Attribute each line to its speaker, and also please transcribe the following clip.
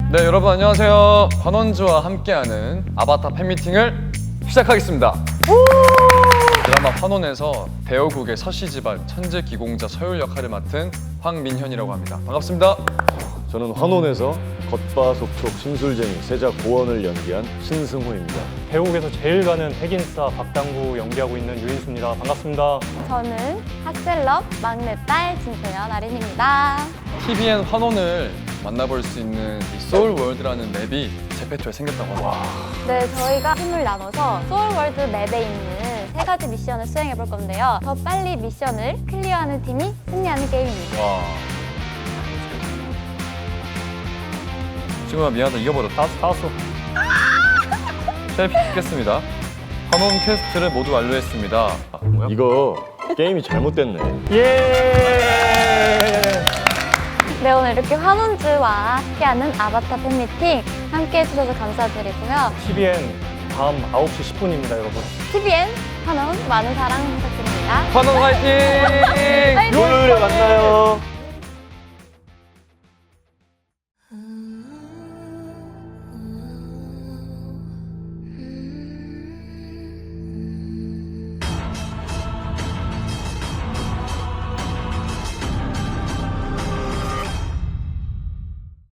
Speaker 1: 네, 여러분 안녕하세요. 환원주와 함께하는 아바타 팬미팅을 시작하겠습니다. 드라마 환원에서 배우국의 서시지발 천재 기공자 서율 역할을 맡은 황민현이라고 합니다. 반갑습니다.
Speaker 2: 저는 환원에서 겉바속촉 심술쟁이 세자 고원을 연기한 신승호입니다.
Speaker 3: 배우국에서 제일 가는 핵인싸 박당구 연기하고 있는 유인수입니다. 반갑습니다.
Speaker 4: 저는 핫셀럽 막내딸 진소연 아린입니다.
Speaker 1: TVN 환원을 만나볼 수 있는 이 소울월드라는 맵이 제페토에 생겼다고 합니다.
Speaker 4: 네, 저희가 팀을 나눠서 소울월드 맵에 있는 3가지 미션을 수행해 볼 건데요. 더 빨리 미션을 클리어하는 팀이 승리하는 게임입니다.
Speaker 1: 와. 지금아 미안하다, 이겨버렸다.
Speaker 3: 다 왔어.
Speaker 1: 셀피 찍겠습니다. 환원 퀘스트를 모두 완료했습니다. 아, 뭐야?
Speaker 2: 이거 게임이 잘못됐네.
Speaker 3: 예!
Speaker 4: 네, 오늘 이렇게 환원주와 함께하는 아바타 팬미팅 함께 해주셔서 감사드리고요.
Speaker 3: TVN 밤 9시 10분입니다, 여러분.
Speaker 4: TVN 환원 많은 사랑 부탁드립니다.
Speaker 1: 환원 화이팅!
Speaker 4: 화이팅!
Speaker 2: 토요일에 만나요.